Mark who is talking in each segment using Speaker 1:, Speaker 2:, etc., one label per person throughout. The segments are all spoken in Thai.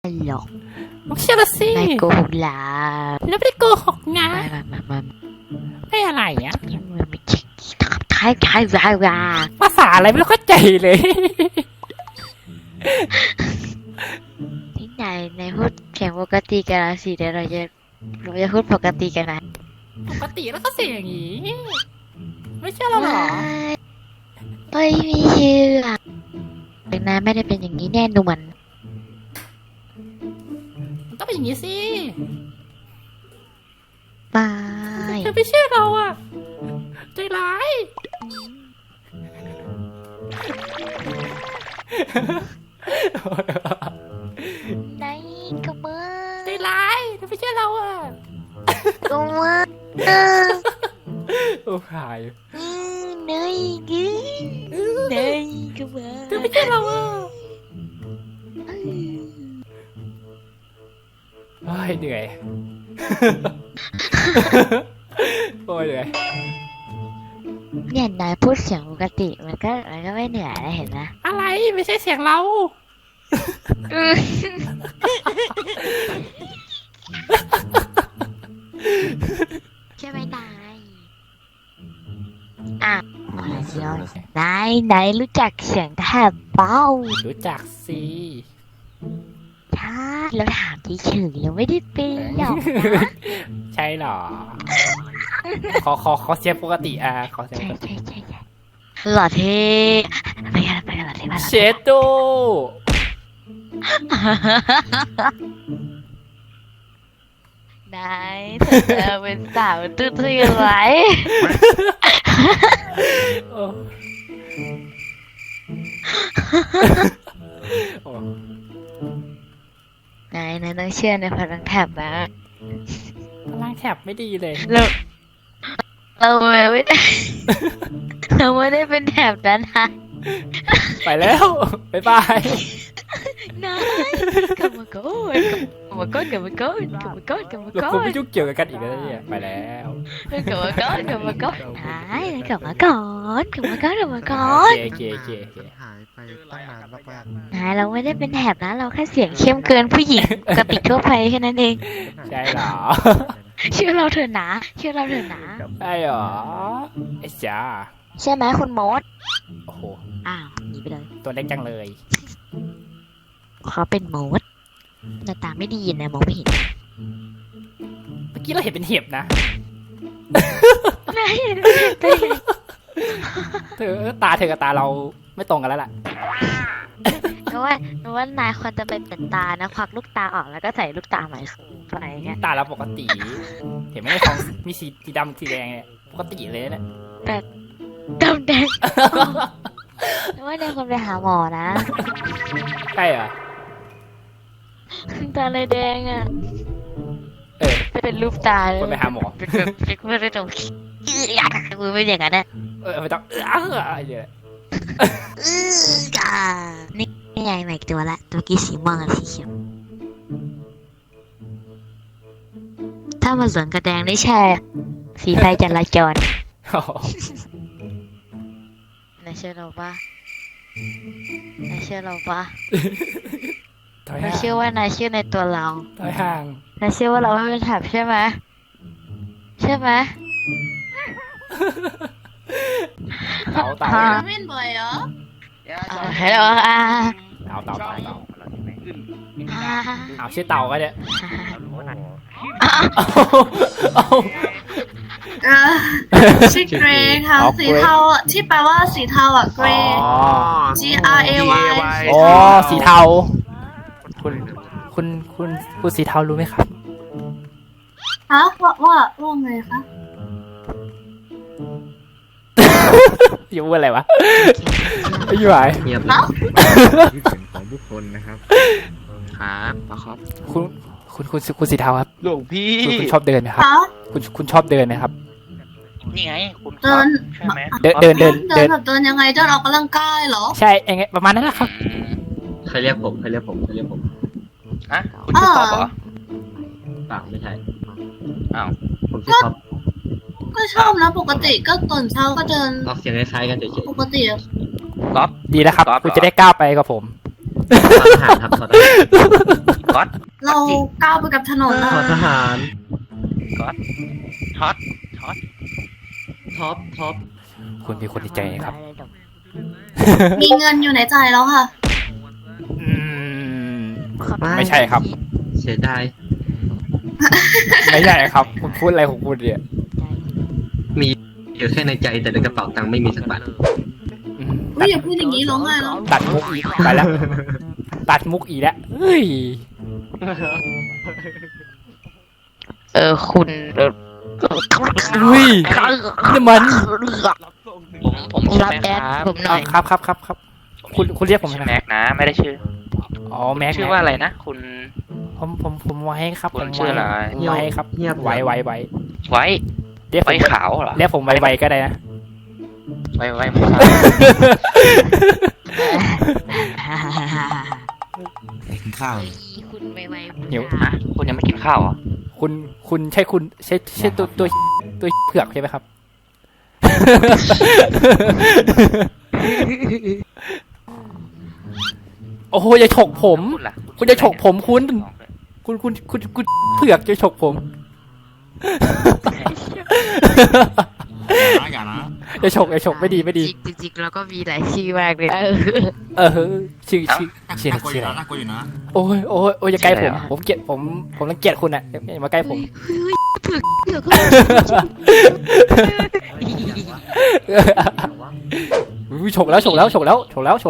Speaker 1: หรอก
Speaker 2: ไม่เชื่อละสิ
Speaker 1: นายโกหกหลา
Speaker 2: แล้วไม่ได้โกหกนะ
Speaker 1: มา
Speaker 2: ไม่อะไรอ่ะ
Speaker 1: มันไม่ใช่
Speaker 2: ภาษาอะไรไม่เข้าใจเลย
Speaker 1: ที่นายพูดเสียงปกติกันสิเดี๋ยวเราจะพูดปกติกันนะ
Speaker 2: ปกติแล้วก็เสียงอย่างนี้ไม่เชื่อเราหรอ
Speaker 1: ไม่เชื่อแต่นายไม่ได้เป็นอย่างนี้แน่นอน
Speaker 2: มันต้องเป็นอย่างนี้สิ
Speaker 1: ไม่
Speaker 2: เธอไม่เชื่อเราอ่ะใจร้าย
Speaker 1: นายก็มือ
Speaker 2: ใจร้ายเธอไม่เชื่อเราอ่ะ
Speaker 1: ก็มือ
Speaker 2: โอ้หาย
Speaker 1: นายก็มือ
Speaker 2: เธอไม่เชื่อเราอ่ะโอ้ยเหนื่อยโอ้ยเหนื่อย
Speaker 1: เนี่ยนายพูดเสียงปกติมันก็ไม่เหนื่อยนะเห็นไหม
Speaker 2: อะไรไม่ใช่เสียงเรา
Speaker 1: ใช่ไหมนายอ่ะมาเชียวนายรู้จักเสียงแทบเป้า
Speaker 2: รู้จักสิ
Speaker 1: ถ้าเราถามที่ชื่อเราไม่ได้เป็นหรอก
Speaker 2: ใช่หรอขอเสียงปกติขอเสียงปกติ
Speaker 1: ใช่หล่อเท่ไปกันหล่อเท่มา
Speaker 2: เชโด
Speaker 1: นายเธอเป็นสาวตื้อๆไว้นายต้องเชื่อในพลังแถบนะ
Speaker 2: พลังแถบไม่ดีเลย
Speaker 1: เราไม่ได้เป็นแถบนั้นนะ
Speaker 2: ไปแล้วบ๊ายบาย
Speaker 1: นายกลับมาก่อนเราคง
Speaker 2: ไม่ยุ่งเกี่ยวกันอีกแล้วเนี่ยไปแล้ว
Speaker 1: กลับมาก่อนนายกลับมาก่อนโอเค
Speaker 3: หายไปตั้งนานมาก
Speaker 1: นายเราไม่ได้เป็นแถบนะเราแค่เสียงเข้มเกินผู้หญิงปกติทั่วไปแค่นั้นเอง
Speaker 2: ใช่หรอ
Speaker 1: เชื่อเราเถอะนะ
Speaker 2: ใช่หรอไอ้จ้า
Speaker 1: ใช่ไหมคุณมด
Speaker 2: โอ้โห
Speaker 1: อ้าวหนีไปเลย
Speaker 2: ตัวเล็กจังเลย
Speaker 1: เขาเป็นมดหน้าตาไม่ดีนะมองไม่เห็น
Speaker 2: เมื่อกี้เราเห็นเป็นเห็บนะ
Speaker 1: ไม่เห็น
Speaker 2: เธอตาเธอกับตาเราไม่ตรงกันแล้วล่ะ
Speaker 1: เพราะว่านายควรจะไปเป็นตานะควักลูกตาออกแล้วก็ใส่ลูกตาใหม่เข้าไปเงี้ย
Speaker 2: ตาเราปกติเห็นไหมในของมีสีดำสีแดงเนี่ยปกติเลยเนี่ย
Speaker 1: แต่ดำแดงว่านายควรไปหาหมอนะ
Speaker 2: ใช่เหรอ
Speaker 1: ตาเลยแดงอ่ะเป็นรูปตา
Speaker 2: ควรไปหาหมอ
Speaker 1: ไม่ได้ตรงมือไม่อย่างนั้นนะ
Speaker 2: ไม่ต้องอะไรเยอะ
Speaker 1: นี่ไงใหม่ตัวละตัวกี้สีม่วงกับสีเขียวถ้ามาสวนกระแดงได้ใช่สีไฟจราจรนายเชื่อเราปะนายเชื่อว่านายเชื่อในตัวเรา
Speaker 2: ถอยห่าง
Speaker 1: นายเชื่อว่าเราไม่เป็นแถบใช่ไหม
Speaker 2: เต่า
Speaker 1: ไม่บ่อยเหรอฮัลโหล
Speaker 2: เต่าชื่อเต่าก็เนี่ย
Speaker 4: ชื่อเกรย์ค่ะสีเทาที่แปลว่าสีเทาอ่ะเกรย์ G R A Y
Speaker 2: อ๋อสีเทาคุณสีเทารู้ไหมครับ
Speaker 4: ฮะว่าไงคะ
Speaker 2: อยู่อะไรวะอยู่ไหน
Speaker 3: เงียบเลยที่เสียงของผู้คนนะครับครับ
Speaker 2: คุณสีเทาครับ
Speaker 3: หลวงพี่
Speaker 2: คุณชอบเดินไหมครับคุณชอบเดินไหมครับ
Speaker 3: นี่ไงคุณ
Speaker 4: เดิน
Speaker 2: ใช่ไหมเดิน
Speaker 4: ยังไงเดินออกกำลังกายเหรอ
Speaker 2: ใช่ยังไงประมาณนั้นแหละครับ
Speaker 3: ใครเรียกผมฮะคุณชื่อท็อปเหรอเปล่าไม่ใช่อ้าวผมชื่อท็อป
Speaker 4: ก็ชอบนะปกติก็ตอนเช้าก็เดิน
Speaker 3: ออกเสียงคล้ายๆกันเฉย
Speaker 4: ๆปกติ
Speaker 2: ก๊อฟดีแล้วครับคุณจะได้ก้าวไปกับผม
Speaker 3: ทหารครับทหาร
Speaker 5: ก๊อต
Speaker 4: เราก้าวไปกับถนนแล้ว
Speaker 3: ทหาร
Speaker 5: ก๊อตช็อตช็อต
Speaker 3: ท็อป
Speaker 2: คุณมีคนในใจครับ
Speaker 4: มีเงินอยู่ในใจแล้วค่ะ
Speaker 2: อืมไม่ใช่ครับ
Speaker 3: เสียดาย
Speaker 2: ไม่ใช่ครับคุณพูดอะไรของคุณเนี่ย
Speaker 3: มีอยู่แค่ในใจแต่ในกระเป๋าตังค์ไม่มีสักบาท
Speaker 2: อืม
Speaker 4: อุ้ยอย่าพูดอย่างนี้ร้องไห้แล้ว
Speaker 2: ตัดมุกอีกไปแล้วตัดมุกอีกแล้วเฮ้ย
Speaker 1: คุณ
Speaker 2: อุ้ยนี่มัน
Speaker 5: ผมชื่อ
Speaker 1: รับ
Speaker 5: แม็ก
Speaker 1: แอด
Speaker 5: ครับ
Speaker 1: ผมหน่อย
Speaker 2: ครับคุณเรียกผม
Speaker 5: ชื่อ
Speaker 2: ใช่ไหม
Speaker 5: แม็กนะ ไม่ได้ชื่อ
Speaker 2: อ๋อแม็ก
Speaker 5: ชื่อว่าอะไรนะ คุณ
Speaker 2: ผมไว้ครับ
Speaker 5: คุณชื่ออะไร
Speaker 2: ผมไว้ครับ
Speaker 3: เงียบ
Speaker 2: ไว้
Speaker 5: ไว้
Speaker 2: เรียกผม
Speaker 5: ไว้ขาวเหรอ
Speaker 2: เรียกผมไว้ก็ได้นะ
Speaker 5: ไว้หมูสับ
Speaker 6: กินข้าว
Speaker 1: คุณไว
Speaker 2: หิว
Speaker 5: ฮะคุณยังไม่กินข้าวเหรอ
Speaker 2: คุณใช่ตัวเผือกใช่ไหมครับ โอ้โหอย่าฉกผม
Speaker 5: คุณล่ะ
Speaker 2: คุณจะฉกผมคุณเผือกจะฉกผม
Speaker 6: อย่านะ
Speaker 2: อย่าฉกไม่ดี
Speaker 1: จริงๆแล้วก็มีหลายชื่อมากเลย
Speaker 2: ชื่อ
Speaker 6: น่ากลัวอยู่นะน่ากลัวอยู่นะ
Speaker 2: โอ้ยอย่าใกล้ผมเกลียดผมรังเกียจคุณอ่ะอย่ามาใกล้ผม
Speaker 1: เผือก
Speaker 2: อุ้ยฉกแล้ว
Speaker 1: ถูกแล้วเผือก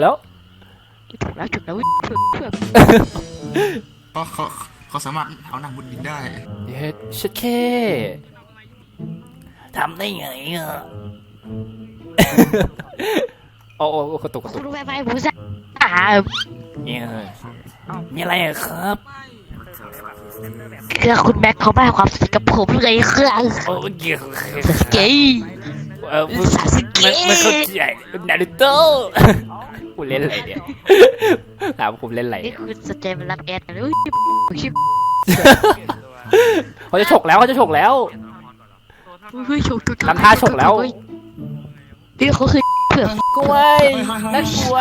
Speaker 6: เขาสามารถเอานางบุญบินได้
Speaker 2: เย็ดชิดเคทำได้ไงอ่ะ โอ้กระตุก
Speaker 1: คุณไวหมูสับ
Speaker 2: เนี่ยมีอะไรอะครับ
Speaker 1: คือคุณแม็กเขาไม่ให้ความสุขกับผมเลยคือ
Speaker 2: โอ้เกี่ยว
Speaker 1: เก๋
Speaker 2: มันเข้าใจนารูโต้คุณเล่นอะไรเนี่ยถามผมเล่นอะไร
Speaker 1: นี่คุณสนใจมารับแอดเลยชิบ
Speaker 2: เขาจะฉกแล้วทำท่าฉกแล้ว
Speaker 1: นี่เขาคือก
Speaker 2: ล้วยน่ากลัว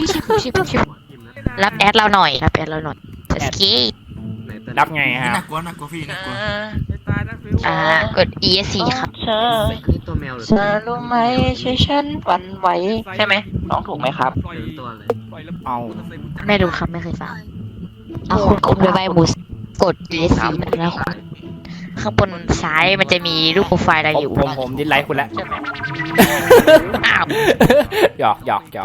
Speaker 1: รับแอดเราหน่อยสกี
Speaker 2: รับไงฮะ
Speaker 6: น่ากลัวพี่น่ากลัว
Speaker 1: กด ESC ครับ
Speaker 3: นี่ตัวแมวหรือ
Speaker 5: เธอรู้ไหมช่วยฉันวันไหวใช่ไหมน้องถูกไหมครับ
Speaker 3: ตัวอะไร
Speaker 2: เอา
Speaker 1: ไม่รู้ครับไม่เคยฟังเอาคุณไวหมูกด ESC แล้วคุณข้างบนซ้ายมันจะมีรูปโปรไฟล์อะไรอยู่
Speaker 2: ผมดิสไลค์คุณแล้ว
Speaker 1: อ้าว
Speaker 2: หยอก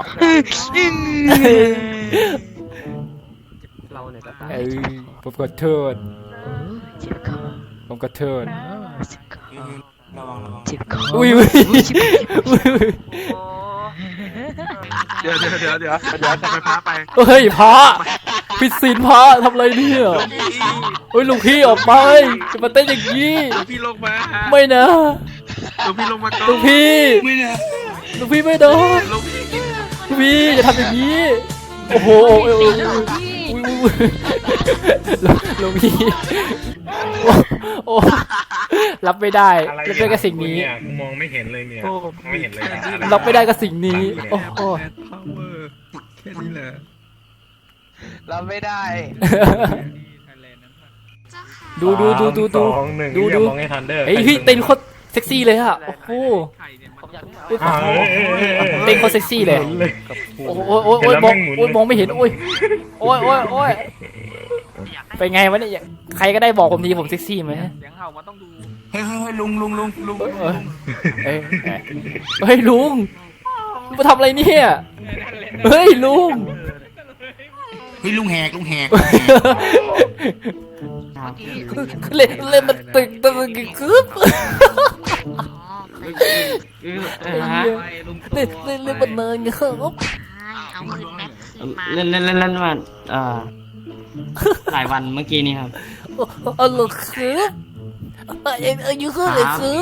Speaker 3: เราเนี่ยก็ตาย
Speaker 2: ผมขอโทษ
Speaker 6: ระวัง
Speaker 1: จิบคอ
Speaker 2: อุ้ย
Speaker 3: เดี๋ยวทำไมพาไป
Speaker 2: เฮ้ยพระผิดศีลพระทำอะไรเนี่ยเฮ้ยลุงพี่ออกไปจะมาเต้นอย่างนี้
Speaker 3: พี่ลงมา
Speaker 2: ไม่นะ
Speaker 3: พี่ลงมาก่อน
Speaker 2: ลุงพี่
Speaker 6: ไม่นะ
Speaker 2: ลุงพี่ไม่ได้ลุงพี่อย่าทำอย่างนี้โอ้โหลุงพี่โอ้รับไม่ได้รับไม่ได้กับสิ่งนี้
Speaker 7: มองไม่เห็นเลยเนี่ยไม่เห็นเลยนะ
Speaker 2: รับไม่ได้กับสิ่งนี้โอ้โห
Speaker 3: แค่นี้แหละ
Speaker 5: เราไม่ได้
Speaker 2: ดู
Speaker 7: สองหนึ่งอย่ามองให้ทันเดอร์
Speaker 2: เฮ้ยพี่เต้นโคตรเซ็กซี่เลยอะโอ้โหเต้นโคตรเซ็กซี่เลยโอ้ยมองไม่เห็นโอ้ยเป็นไงวะเนี่ยใครก็ได้บอกผมทีผมเซ็กซี่ไหม
Speaker 6: เฮ้ยลุง
Speaker 2: เฮ้ยลุงมาทำอะไรเนี่ยเฮ้ยลุง
Speaker 6: เฮ้ยลุงแหก
Speaker 2: เล่นมันตึกคึบเล่นมันเนินเงี้ยครับ
Speaker 1: เอาคืนแม็กคืนมา
Speaker 8: เล่นมาหลายวันเมื่อกี้นี้ครับ
Speaker 2: เหรอครับอายุเท่าไหร่ครับ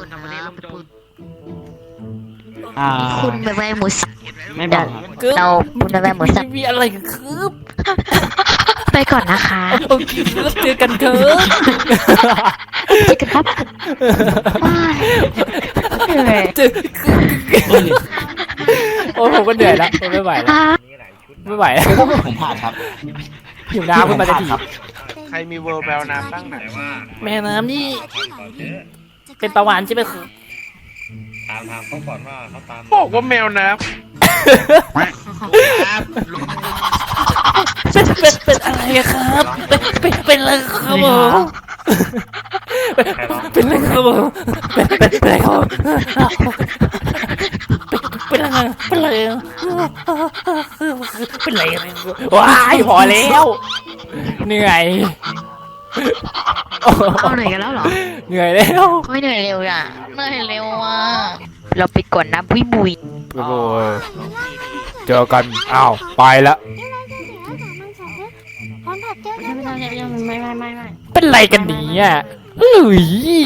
Speaker 1: คุณไวหมูสับ
Speaker 8: ไม่บอกครับ
Speaker 1: เราคุณไวหมูสับ
Speaker 2: มีอะไรกันครับ
Speaker 1: ไปก่อนนะคะ
Speaker 2: โอเคแล้วเจอกันเถอะ
Speaker 1: เจอกันครับเหนื่อย
Speaker 2: โอ้ผมก็เหนื่อยแล้วผมไม่ไหวแล้วไม่ไหวแล้ว
Speaker 6: ผมผ่านครับ
Speaker 2: หิวน้ำขึ้นมาทันที
Speaker 9: ใครมีเวอร์แบลน้ำตั้งไหน
Speaker 7: แต่ว่า
Speaker 2: แม่น้ำนี่
Speaker 7: ก่อนเจ๊
Speaker 2: เป็นประวานใช่ไหมคือ
Speaker 7: ถามเขาก่อนว่าเขาตาม
Speaker 9: บอกว่าแมวน้
Speaker 2: เป็นอะไรครับเป็นอะไรครับผมเป็นอะไรครับผมเป็นอะไรครับเป็นอะไรเป็นอะไรเป็นอะไรว้ายพอแล้วเหนื่อย
Speaker 1: เอาเหนื่อยกันแล้วเหรอ
Speaker 2: เหนื่อยแล้ว
Speaker 1: ไม่เหนื่อยเร็วอ่ะเหนื่อยเร็วอ่ะเราไปก่อนนะบุยบุย
Speaker 2: โอ้ยเจอกันอ้าวไปละเป็นไรกันเนี่ยเฮ้ย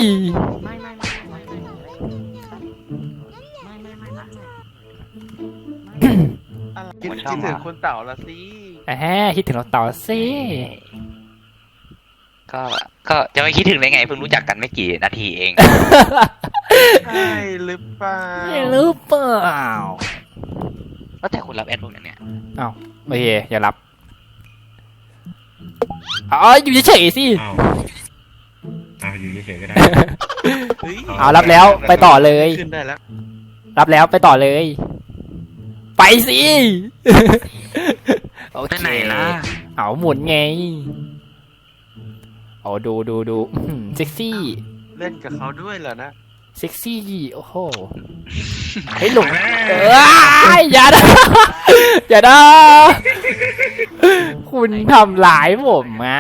Speaker 9: ำคิดถึงคุณเต่าละสิ
Speaker 2: แหมคิดถึงเราต่อสิ
Speaker 3: ก็จะไม่คิดถึงได้ไงเพิ่งรู้จักกันไม่กี่นาทีเอง
Speaker 9: ใช่หรือเปล่า
Speaker 2: ไม่รู้เปล่า
Speaker 3: ก็แต่คุณรับแอดพวกนั้นเนี่ย
Speaker 2: อ้าวโอเคอย่ารับอ๋ออยู่เฉยๆสิ
Speaker 7: อ้าวอยู่เฉยๆก็ได้
Speaker 9: เฮ้ย
Speaker 2: เอารับแล้วไปต่อเลย
Speaker 9: ขึ้นได้แล้ว
Speaker 2: รับแล้วไปต่อเลย ไปสิโอเค
Speaker 3: ไหนล่ะ
Speaker 2: เอาหมุนไงเอาดูเซ็กซี่
Speaker 9: เล่นกับเขาด้วยเหรอนะ
Speaker 2: เซ็กซี่โอ้โหเฮ้ยหลงอย่านะอย่านะคุณทำร้ายผมอ่ะ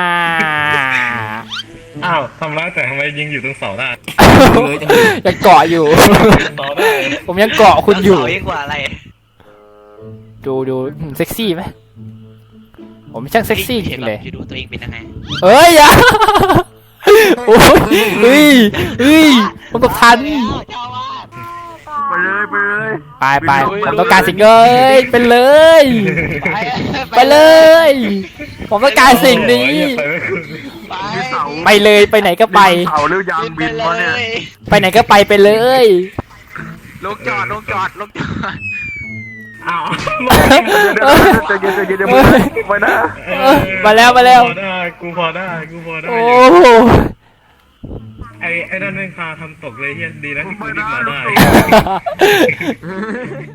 Speaker 7: อ้าวทำร้ายแต่ทำไมยิงอยู่ตรงเสาได้
Speaker 2: ยังเกาะอยู่
Speaker 7: เสาได้
Speaker 2: ผมยังเกาะคุณอยู่
Speaker 3: ยิ่งกว่าอะไร
Speaker 2: ดูเซ็กซี่ไหมผมช่างเซ็กซี่จริงเลย
Speaker 3: คิดดูตัวเองเป็นยังไง
Speaker 2: เอ้ยอย่าโอ้ยเฮ้ยผมกับทัน
Speaker 9: ไปเลยไปเลย
Speaker 2: ไปผมต้องการสิ่งเลยเป็นเลย ไปเลย ผมต้องการสิ่งนี้ ไปเลยไปไหนก็ไป
Speaker 9: เต่าหรือยางบินวะเนี่ย
Speaker 2: ไปไหนก็ไปเลย
Speaker 9: ลงจอด
Speaker 7: อ้าว
Speaker 9: ใจเย็นไปนะ
Speaker 2: มาแล้ว
Speaker 7: พอได้กูพอได้
Speaker 2: โอ้
Speaker 7: ไอ้นั่นแม่งพาทำตกเลยเฮียดีนะที่กูรีบมาได้